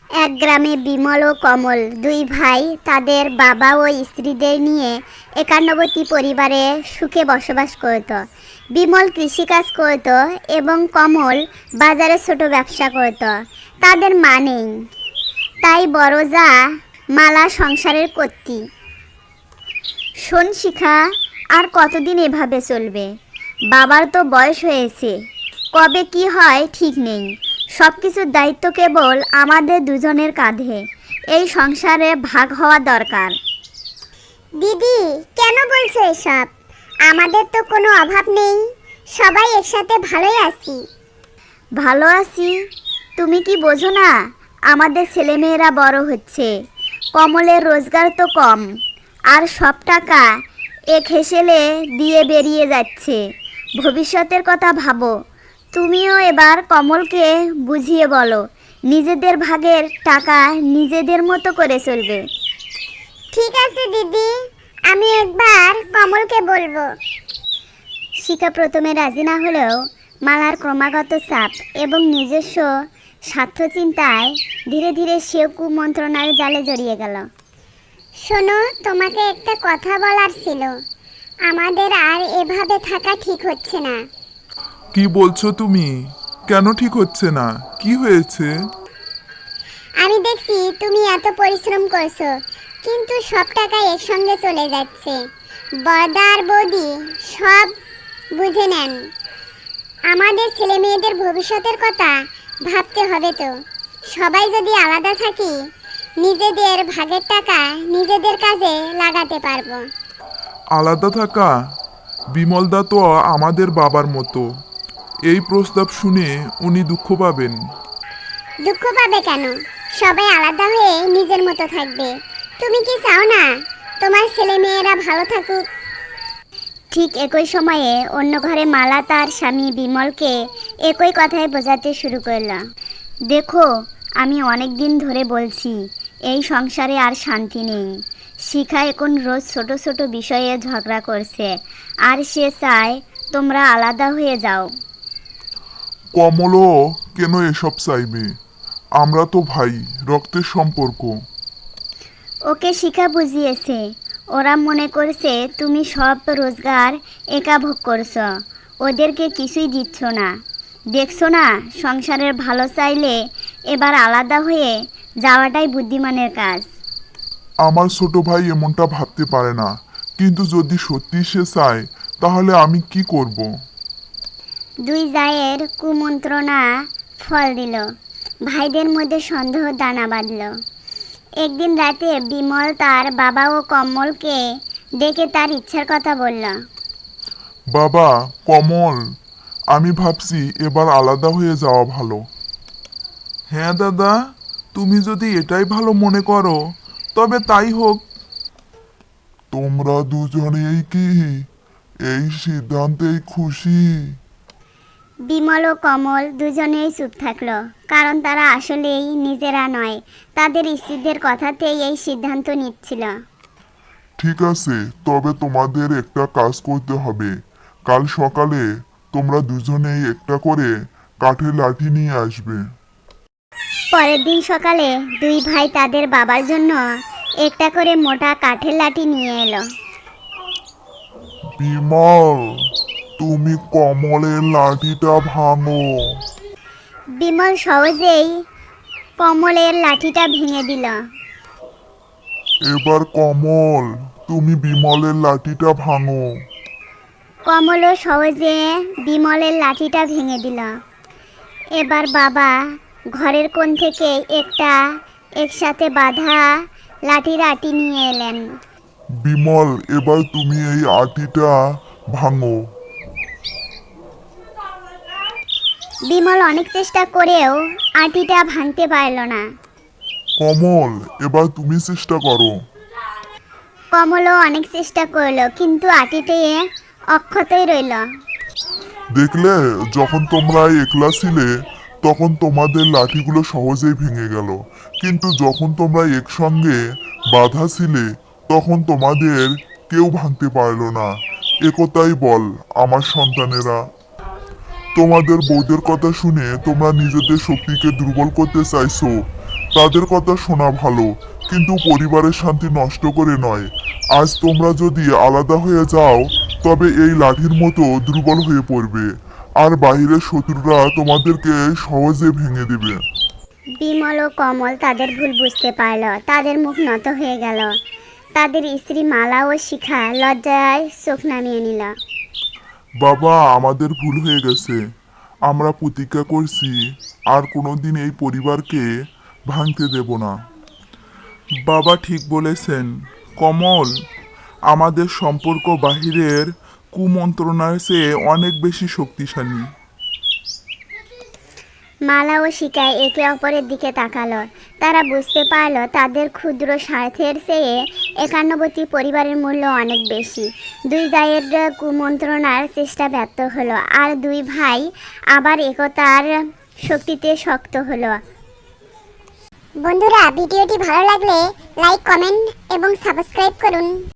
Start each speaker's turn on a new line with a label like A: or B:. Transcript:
A: এক গ্রামে বিমল ও কমল দুই ভাই তাদের বাবা ও স্ত্রীদের নিয়ে একান্নবর্তী পরিবারে সুখে বসবাস করত। বিমল কৃষিকাজ করত এবং কমল বাজারে ছোট ব্যবসা করত। তাদের মা নেই, তাই বড় যা মালা সংসারের কর্ত্রী। শোন শিখা, আর কতদিন এভাবে চলবে? বাবার তো বয়স হয়েছে, কবে কি হয় ঠিক নেই। সব কিছুর দায়িত্ব কেবল আমাদের দুজনের কাঁধে। এই সংসারে ভাগ হওয়া দরকার।
B: দিদি, কেন বলছো এসব? আমাদের তো কোনো অভাব নেই, সবাই একসাথে ভালোই আছি।
A: ভালো আছি? তুমি কি বোঝো না? আমাদের ছেলেমেয়েরা বড় হচ্ছে, কমলের রোজগার তো কম, আর সব টাকা এক হেসেলে দিয়ে বেরিয়ে যাচ্ছে। ভবিষ্যতের কথা ভাবো। তুমিও এবার কমলকে বুঝিয়ে বলো, নিজেদের ভাগের টাকা নিজেদের মতো করে চলবে।
B: ঠিক আছে দিদি, আমি একবার কমলকে বলবো।
A: শিখা প্রথমে রাজি না হলেও মালার ক্রমাগত চাপ এবং নিজস্ব স্বার্থচিন্তায় ধীরে ধীরে সেও কুমন্ত্রণার জালে জড়িয়ে গেল।
B: শোনো, তোমাকে একটা কথা বলার ছিল। আমাদের আর এভাবে থাকা ঠিক হচ্ছে না।
C: কি বলছো তুমি? কেন ঠিক হচ্ছে না? কি হয়েছে?
B: আমি দেখছি তুমি এত পরিশ্রম করছো, কিন্তু সব টাকা একসঙ্গে চলে যাচ্ছে। বড়দা আর বৌদি সব বুঝে নেন। আমাদের ছেলে মেয়েদের ভবিষ্যতের কথা ভাবতে হবে তো। সবাই যদি আলাদা থাকি, নিজেদের ভাগের টাকা নিজেদের কাজে লাগাতে পারবো।
C: আলাদা থাকা? বিমলদা তো আমাদের বাবার মতো। এই প্রস্তাব শুনে উনি দুঃখ পাবেন।
B: দুঃখ পাবে কেন? সবাই আলাদা হয়ে নিজের মতো থাকবে। তুমি কি চাও না তোমার ছেলে মেয়েরা ভালো থাকুক?
A: ঠিক একই সময়ে অন্য ঘরে মালা তার স্বামী বিমলকে একই কথায় বোঝাতে শুরু করল। দেখো, আমি অনেক দিন ধরে বলছি এই সংসারে আর শান্তি নেই। শিখা এখন রোজ ছোট ছোট বিষয়ে ঝগড়া করছে, আর সে চায় তোমরা আলাদা হয়ে যাও।
C: কমলও কেন এসব চাইবে? আমরা তো ভাই, রক্তের সম্পর্ক।
A: ওকে শিখা বুঝিয়েছে। ওরা মনে করছে তুমি সব রোজগার একা ভোগ করছো, ওদেরকে কিছুই দিচ্ছ না। দেখছো না, সংসারের ভালো চাইলে এবার আলাদা হয়ে যাওয়াটাই বুদ্ধিমানের কাজ।
C: আমার ছোট ভাই এমনটা ভাবতে পারে না, কিন্তু যদি সত্যি সে চায় তাহলে আমি কি করব?
A: দুই জায়ের কুমন্ত্রণা ফল দিল। ভাইদের মধ্যে সন্দেহ দানা বাঁধল। একদিন রাতে বিমল তার বাবা ও কমলকে ডেকে তার ইচ্ছার কথা বলল।
C: বাবা, কমল, আমি ভাবছি এবার আলাদা হয়ে যাওয়া ভালো। হ্যাঁ দাদা, তুমি যদি এটাই ভালো মনে করো তবে তাই হোক। তোমরা দুজনেই কি এই সিদ্ধান্তেই খুশি?
A: বিমল ও কমল দুজনেই চুপ থাকলো, কারণ তারা আসলেই নিজেরা নয়, তাদের স্ত্রীদের কথাতেই এই সিদ্ধান্ত নিচ্ছিল।
C: ঠিক আছে, তবে তোমাদের একটা কাজ করতে হবে। কাল সকালে তোমরা দুজনেই একটা করে কাঠের লাঠি নিয়ে আসবে।
A: পরের দিন সকালে দুই ভাই তাদের বাবার জন্য একটা করে মোটা কাঠের লাঠি নিয়ে এলো।
C: বিমল, তুমি কমলের লাঠিটা ভাঙো।
A: বিমল সহজেই কমলের লাঠিটা ভেঙে দিল।
C: এবার কমল, তুমি বিমলের লাঠিটা ভাঙো।
A: কমলও সহজে বিমলের লাঠিটা ভেঙে দিল। এবার বাবা ঘরের কোণ থেকে একটা একসাথে বাঁধা লাঠির আটি নিয়ে এলেন।
C: বিমল, এবার তুমি এই আটিটা ভাঙো।
A: বিমল অনেক চেষ্টা করেও আটিটা ভাঙতে পারল না।
C: কমল, এবার তুমি চেষ্টা করো।
A: কমলও অনেক চেষ্টা করলো, কিন্তু আটিতে অক্ষতই রইল।
C: দেখলে, যখন তোমরা একলা ছিলে তখন তোমাদের লাঠিগুলো সহজেই ভেঙে গেল, কিন্তু যখন তোমরা একসঙ্গে বাঁধা ছিলে তখন তোমাদের কেউ ভাঙতে পারলো না। একতাই বল আমার সন্তানেরা। তোমাদের বউদের কথা শুনে তোমরা নিজেদের শক্তিকে দুর্বল করতে চাইছো, তাদের কথা শোনা ভালো, কিন্তু পরিবারের শান্তি নষ্ট করে নয়। আজ তোমরা যদি আলাদা হয়ে যাও তবে এই লাঠির মতো দুর্বল হয়ে পড়বে, আর বাইরের শত্রুরা তোমাদেরকে সহজে ভেঙে দেবে।
A: বিমল ও কমল তাদের ভুল বুঝতে পারল। তাদের মুখ নত হয়ে গেল। তাদের স্ত্রী মালা ও শিখা লজ্জায় চোখ নামিয়ে নিল।
C: বাবা, আমাদের ভুল হয়ে গেছে। আমরা প্রতিজ্ঞা করছি আর কোনোদিন এই পরিবারকে ভাঙতে দেব না।
D: বাবা ঠিক বলেছেন কমল, আমাদের সম্পর্ক বাহিরের কুমন্ত্রণার চেয়ে অনেক বেশি শক্তিশালী।
A: মালা ও শিখা একে অপরের দিকে তাকালো। তারা বুঝতে পারল তাদের ক্ষুদ্র স্বার্থের চেয়ে একান্নবর্তী পরিবারের মূল্য অনেক বেশি। দুই জায়ের কুমন্ত্রণার চেষ্টা ব্যর্থ হলো, আর দুই ভাই আবার একতার শক্তিতে শক্ত হলো।
B: বন্ধুরা, ভিডিওটি ভালো লাগলে লাইক, কমেন্ট এবং সাবস্ক্রাইব করুন।